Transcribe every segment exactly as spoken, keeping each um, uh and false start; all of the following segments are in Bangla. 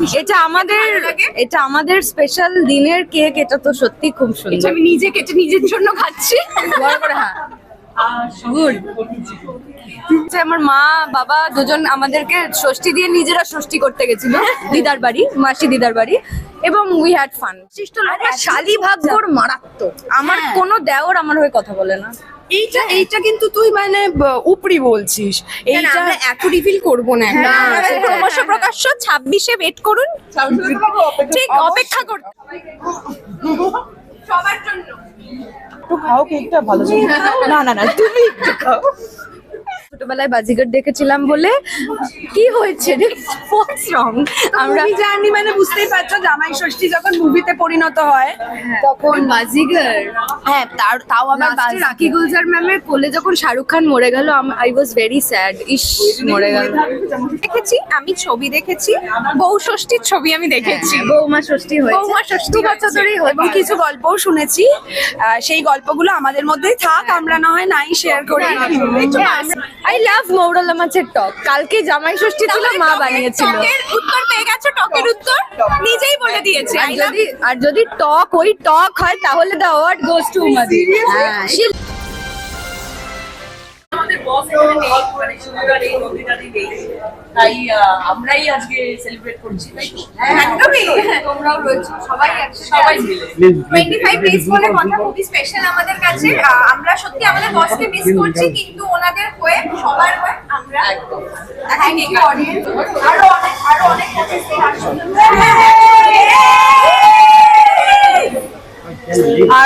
এটা আমাদের এটা আমাদের স্পেশাল দিনের কেক। এটা তো সত্যি খুব সুন্দর। আমি নিজে কেটে নিজের জন্য খাচ্ছি বড় করে। হ্যাঁ, গুড। আমার মা বাবা দুজন আমাদেরকে ষষ্ঠী দিয়ে নিজেরা ষষ্ঠী করতে গেছিল দিদার বাড়ি, মাসি দিদার বাড়ি, এবং উই হ্যাড ফান। শালি ভাগ্যর মারাত্মক। আমার কোনো দেওর আমার হয়ে কথা বলে না। এইটা এইটা কিন্তু তুই মানে উপরি বলছিস। এইটা এত রিভিল করব না। ক্রমশ প্রকাশ্য ছাব্বিশে ওয়েট করুন। ঠিক অপেক্ষা করুন সবার জন্য। একটু খাও কেকটা, ভালো না না না তুমি একটু খাও। ছোটবেলায় বাজিগর দেখেছিলাম বলে কি হয়েছে রে? হোয়াটস রং? আমরা জানি মানে বুঝতেই পারছো, জামাই ষষ্ঠী যখন মুভিতে পরিণত হয় তখন বাজিগর। হ্যাঁ, তার তাও আবার লাস্টে রাখি গুলজার ম্যামের কোলে যখন শাহরুখ খান মরে গেল, আই ওয়াজ ভেরি স্যাড। ইস, মরে গেল। দেখেছি আমি, ছবি দেখেছি, বউ ষষ্ঠীর ছবি আমি দেখেছি। বৌমা ষষ্ঠী হয়েছে, বৌমা ষষ্ঠী বছর ধরেই হয়েছে। এবং কিছু গল্পও শুনেছি। আহ, সেই গল্পগুলো আমাদের মধ্যেই থাক, আমরা না হয় নাই শেয়ার করি। আই লাভ মৌরলা মাছের টক। কালকে জামাই ষষ্ঠী ছিল, মা বানিয়েছিল। টকের উত্তর পেয়ে গেছো, টকের উত্তর নিজেই বলে দিয়েছে। আর যদি আর যদি টক ওই টক হয় তাহলে দ্য অ্যাওয়ার্ড গোস টু উমাদি। হ্যাঁ, আমাদের বস এখানে নেই, মানে সুন্দর এই নদীটারই নেই, তাই আহ, আমরাই আজকে সেলিব্রেট করছি, তাই তো? একদমই তোমরাও রয়েছে, সবাই একসাথে সবাই মিলে পঁচিশ ডেজ বলে কথা খুবই স্পেশাল আমাদের কাছে। আহ, আমরা সত্যি আমাদের বসকে মিস করছি, কিন্তু ওনাদের হয়ে সবার হয়ে আমরা একদম থ্যাংক ইউ অডিয়েন্স। আরো অনেক আরো অনেক আছে আসলে। আর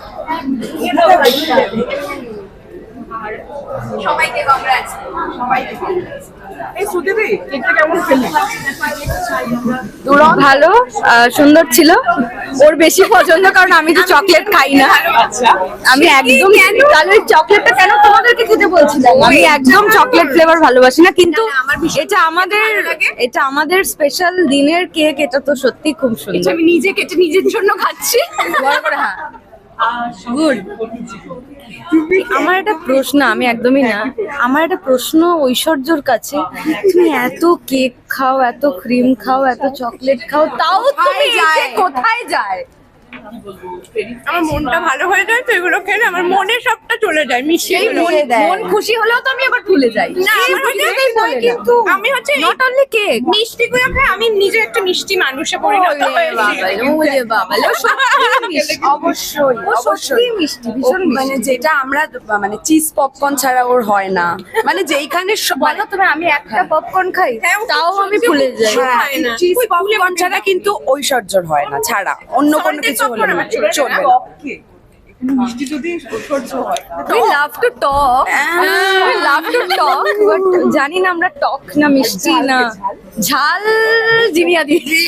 সবাইকে কংগ্রাটস, সবাইকে কংগ্রাটস। এই সুদীদি কেকটা কেমন ফেললি? ভালো, আহ, সুন্দর ছিল। ওর বেশি পছন্দ, কারণ আমি তো চকলেট খাই না। আমি একদম, তাহলে ওই চকলেটটা কেন তোমাদেরকে খেতে বলছিলাম? আমি একদম চকলেট ফ্লেভার ভালোবাসি না, কিন্তু এটা আমাদের এটা আমাদের স্পেশাল দিনের কেক। এটা তো সত্যি খুব সুন্দর। আমি নিজে কেটে নিজের জন্য খাচ্ছি বড় করে। হ্যাঁ, গুড। আমার একটা প্রশ্ন, আমি একদমই না, আমার একটা প্রশ্ন ঐশ্বর্যর কাছে। তুমি এত কেক খাও, এত ক্রিম খাও, এত চকলেট খাও, তাও তুমি এতে কোথায় যায়? আমার মনটা ভালো হয়ে যায় তো এগুলো খেলে, আমার মনে সবটা চলে যায়, মিশিয়ে মন- মন খুশি হলেও তো আমি আবার ভুলে যাই। না, আমার হচ্ছে কিছুতেই বলে না। কিন্তু আমি হচ্ছে নট অনলি কেক, মিষ্টি গুলো খাই। আমি নিজে একটা মিষ্টি মানুষে পরিণত হয়েছি। অবশ্যই অবশ্যই মিষ্টি, ভীষণ মানে মিষ্টি। যেটা আমরা মানে চিজ পপকর্ন ছাড়া ওর হয় না, মানে যেইখানে স- বলো তুমি, আমি একটা পপকর্ন খাই, হ্যাঁ, তাও আমি ভুলে যাই। হ্যাঁ, চিজ পপকর্ন ছাড়া কিন্তু ঐশ্বর্যর হয় না, ছাড়া অন্য কোনো কিছু হলে না, চলবে না। মিষ্টি যদি ঐশ্বর্য হয় We love to talk. We love to talk, but জানি না আমরা টক না মিষ্টি না ঝাল জিনিয়া দিদি।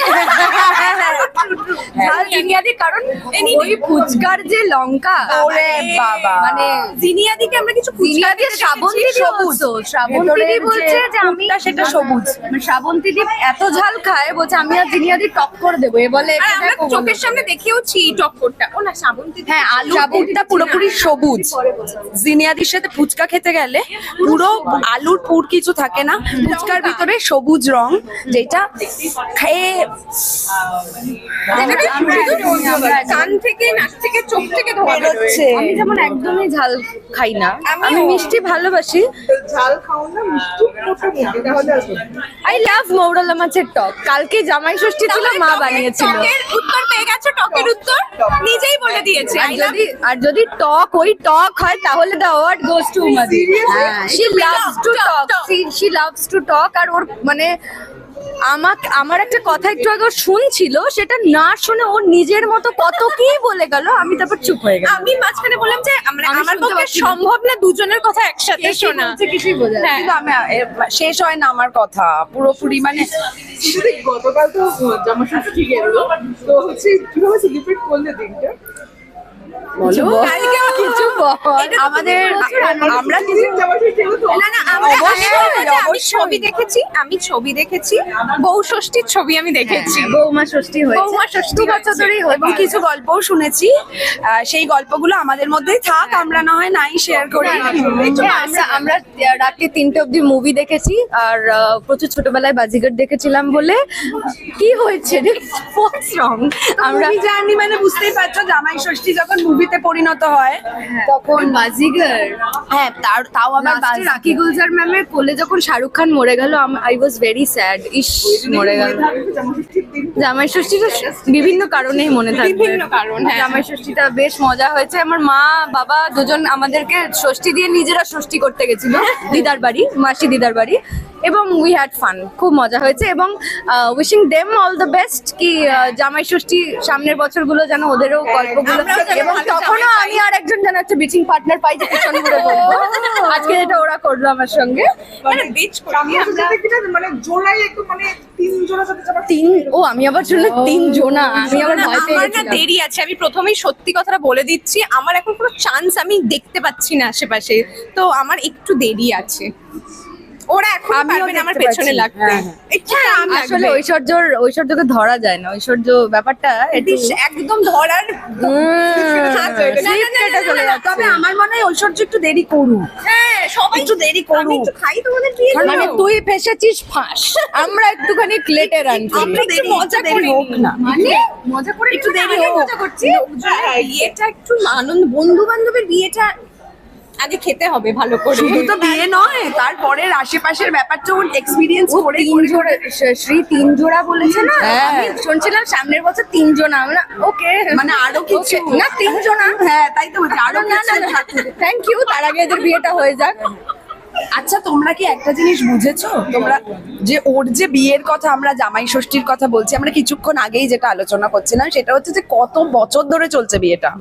ঝাল জিনিয়া দি, কারণ ওই ফুচকার যে লঙ্কা, ওরে বাবা, মানে জিনিয়া দিকে আমরা কিছু জিনিয়া দিয়ে শ্রাবন্তী দি বলছো, শ্রাবন্তী দি বলছে যে আমি সেটা সবুজ। শ্রাবন্তী দি এত ঝাল খায়, বলছে আমি আর জিনিয়া দি টক করে দেবো। এ বলে আর আমরা চোখের সামনে দেখেওছি টক্করটা। ও না, শ্রাবন্তী, হ্যাঁ, আলু শ্রাবন্তীটা পুরোপুরি সবুজ। জিনিয়াদির সাথে ফুচকা খেতে গেলে পুরো আলুর পুর কিছু থাকে না, ফুচকার ভিতরে সবুজ রং, যেটা খেয়ে কান থেকে, নাক থেকে, চোখ থেকে ধোয়া বেরোচ্ছে। আমি যেমন একদমই ঝাল খাই না, আমিও। আমি মিষ্টি ভালোবাসি। ঝাল খাও না, মিষ্টি কোথা থেকে তাহলে আসবে? আই লাভ মৌরলা মাছের টক। কালকে জামাই ষষ্ঠী ছিল, মা বানিয়েছিল। টকের উত্তর পেয়ে গেছো, টকের উত্তর নিজেই বলে দিয়েছে। আর যদি আর যদি টক ওই টক হয় তাহলে দ্য অ্যাওয়ার্ড গোস টু উমাদি। She loves to talk, she loves to talk. আর ওর মানে আমাকে, আমার একটা কথা একটু আগে ও শুনছিল, সেটা না শুনে ও নিজের মতো কত কি বলে গেল, আমি তারপর চুপ হয়ে গেলাম। আমি মাঝখানে বললাম যে আমরা, আমি আমার শুনতে পক্ষে পাচ্ছি না। সম্ভব না দুজনের কথা একসাথে শোনা। কিছুই বোঝা যায় না। কিন্তু আমি এ, শেষ হয় না আমার কথা পুরোপুরি, মানে সুদীদি গতকাল তো জামা ষষ্ঠী গেল, তো হচ্ছে কিভাবে সেলিব্রেট করলে দিনটা? বলো কালকেও কিছু বল। আমাদের আমরা না না আমরা আমি ছবি দেখেছি আমি ছবি দেখেছি বউ ষষ্ঠীর ছবি আমি দেখেছি বৌমা ষষ্ঠী হয়েছে বৌমা ষষ্ঠী দু বছর ধরেই এবং কিছু গল্পও শুনেছি আহ, সেই গল্পগুলো আমাদের মধ্যেই থাক আমরা না হয় নাই শেয়ার করি হ্যাঁ, আমরা আমরা রাতে তিনটে অবধি মুভি দেখেছি আর আহ, প্রচুর ছোটবেলায় বাজিগার দেখেছিলাম বলে কি হয়েছে রে হোয়াটস রং আমরা আমরা জানি মানে বুঝতেই পারছো জামাই ষষ্ঠী যখন মুভিতে পরিণত হয় তখন বাজিগার হ্যাঁ তার তাও আবার লাস্টে বাজি- রাখি গুলজার ম্যামের কোলে যখন শাহরুখ খান মরে গেল আই ওয়াজ ভেরি স্যাড ইস মরে গেল জামাই ষষ্ঠীটা বিভিন্ন কারণেই মনে থাকবে বিভিন্ন কারণ, হ্যাঁ। জামাই ষষ্ঠীটা বেশ মজা হয়েছে আমার মা বাবা দুজন আমাদেরকে ষষ্ঠী দিয়ে নিজেরা ষষ্ঠী করতে গেছিল দিদার বাড়ি মাসি দিদার বাড়ি এবং উই হ্যাড ফান খুব মজা হয়েছে এবং wishing them all the best কি আহ, জামাই ষষ্ঠী সামনের বছরগুলো যেন ওদেরও গল্পগুলো আমরাও যেন এবং ভালো তখনও জামাই পাই। আমি আর একজন যেন একটা বিচিং পার্টনার পাই যে পিছন ঘুরে বলবো আজকে যেটা ওরা করলো আমার সঙ্গে মানে বিচ করি আমরা মানে জোড়াই একটু মানে তিন জোড়া সাথে যাবার তিন ও আমি আবার শুনলে তিন জোনা আমি আবার না, ভয় পেয়ে আমার না গেছিলাম দেরি আছে আমি প্রথমেই সত্যি কথাটা বলে দিচ্ছি আমার এখন কোনো চান্স আমি দেখতে পাচ্ছি না আশেপাশে তো আমার একটু দেরি আছে ওরা এখন আমিও পারবে না আমার দেখতে পেছনে পাচ্ছি। লাগতে হ্যাঁ, হ্যাঁ। একটু time আসলে লাগবে। ঐশ্বর্যর ঐশ্বর্যকে ধরা যায় না ঐশ্বর্য ব্যাপারটা একটু ইস, একদম ধরার হাত হয়ে গেছে। না, না, না, না, না, চলে না, যাচ্ছে। তবে আমার মনে হয় ঐশ্বর্য একটু দেরি করুক হ্যাঁ সবাই একটু দেরি করুক আমি একটু খাই তোমাদের দিয়ে মানে তুই ফেসেছিস ফাঁস আমরা একটুখানি লেটে রানছি আমরা একটু মজা দেরি হোক না মানে মজা করে একটু দেরি আগে হোক মজা করছি বিয়েটা একটু আনন্দ বন্ধু বান্ধবের বিয়েটা আগে খেতে হবে ভালো করে শুধু তো বিয়ে নয় তারপরের আশেপাশের ব্যাপারটা এক্সপিরিয়েন্স করে তিন জোড়া শ্রী তিন জোড়া বলেছে না হ্যাঁ। আমি শুনছিলাম সামনের বছর তিন জোড়া আমরা ওকে মানে আরো কিছু না তিন জোড়া হ্যাঁ তাই তো বলছি আরো না না কিছু থ্যাংক ইউ তার আগে এদের বিয়েটা হয়ে যাক আচ্ছা তোমরা কি একটা জিনিস বুঝেছো তোমরা যে ওর যে বিয়ের কথা আমরা জামাই ষষ্ঠীর কথা বলছি আমরা কিছুক্ষণ আগেই যেটা আলোচনা করছিলাম সেটা হচ্ছে যে কত বছর ধরে চলছে বিয়েটা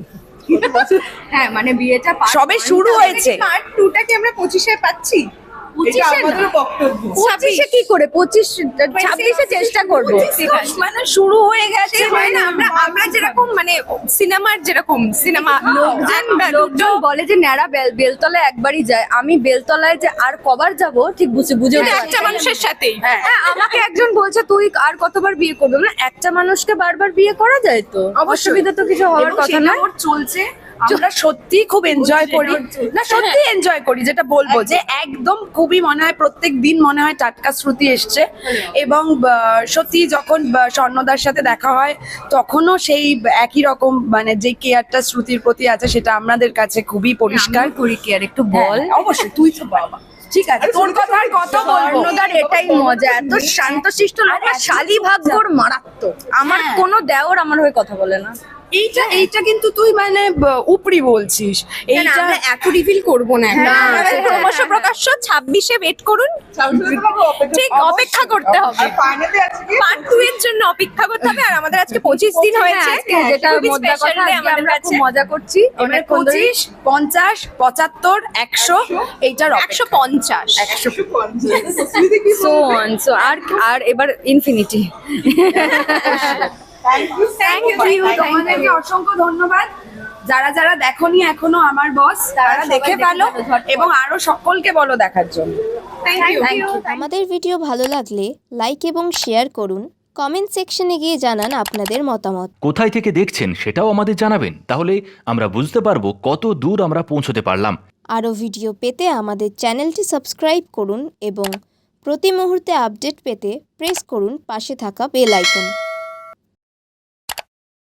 হ্যাঁ মানে বিয়েটা part সবে one শুরু টা হয়েছে পার্ট টু টা কি আমরা পঁচিশে পাচ্ছি পঁচিশে আমাদের না। বক্তব্য পঁচিশে কি করে পঁচিশ ছাব্বিশে চেষ্টা করবো মানে শুরু হয়ে গেছে হয় না, আমরা আমরা যেরকম মানে সিনেমার যেরকম সিনেমা লোকজন লোকজন বলে যে ন্যাড়া বেল বেলতলায় একবারই যায় আমি বেলতলায় যে আর কবার যাব ঠিক বুঝে বুঝে উঠতে পারছি একটা না। মানুষের সাথেই হ্যাঁ আমাকে একজন বলছে তুই আর কতবার বিয়ে করবে মানে একটা মানুষকে বারবার বিয়ে করা যায় তো অসুবিধা তো কিছু হওয়ার কথা না ওর চলছে আমরা সত্যি খুব এনজয় করি না সত্যি এনজয় করি যেটা বলবো যে একদম খুবই মনে হয় প্রত্যেক দিন মনে হয় টাটকা শ্রুতি এসছে এবং আহ, সত্যি যখন আহ, স্বর্ণদার সাথে দেখা হয় তখনও সেই একই রকম মানে যে কেয়ারটা শ্রুতির প্রতি আছে সেটা আমাদের কাছে খুবই পরিষ্কার করি কি আর একটু বল বল অবশ্যই তুই তো বাবা ঠিক আছে তোর কথা আর কত বলবো স্বর্ণদার এটাই মজা এত শান্তশিষ্ট লোক আর শালি ভাগ্যর মারাত্মক আমার হ্যাঁ। কোনো দেওর আমার হয়ে কথা বলে না এইটা এইটা কিন্তু তুই মানে ব- উপরি বলছিস এইটা আমরা এত রিভিল করব না এখন। হ্যাঁ, আমাদের হ্যাঁ, ক্রমশ হ্যাঁ। প্রকাশ্য ছাব্বিশে ওয়েট করুন ঠিক অপেক্ষা করতে হবে আর ফাইনালে আছে কি পার্ট টু এর জন্য অপেক্ষা করতে হবে আর আমাদের আজকে পঁচিশ দিন হয়েছে আজকে যেটা খুবই মোদ্দা special কথা day আজকে আমাদের আমরা কাছে খুব মজা করছি এবার অনেকক্ষণ ধরে। পঁচিশ পঞ্চাশ পঁচাত্তর একশো এইটার একশো পঞ্চাশ so on so আর আর এবার ইনফিনিটি থ্যাংক ইউ তোমাদেরকে অসংখ্য ধন্যবাদ যারা যারা দেখোনি এখনো আমার বস তারা সবাই দেখে দেখে ফেলো ফেলো, ঝটপট। এবং আরো সকলকে বলো দেখার জন্য থ্যাংক ইউ আমাদের ভিডিও ভালো লাগলে লাইক এবং শেয়ার করুন কমেন্ট সেকশনে গিয়ে জানান আপনাদের মতামত কোথায় থেকে দেখছেন সেটাও আমাদের জানাবেন তাহলে আমরা বুঝতে পারবো কত দূর আমরা পৌঁছতে পারলাম আরও ভিডিও পেতে আমাদের চ্যানেলটি সাবস্ক্রাইব করুন এবং প্রতি মুহূর্তে আপডেট পেতে প্রেস করুন পাশে থাকা বেল আইকন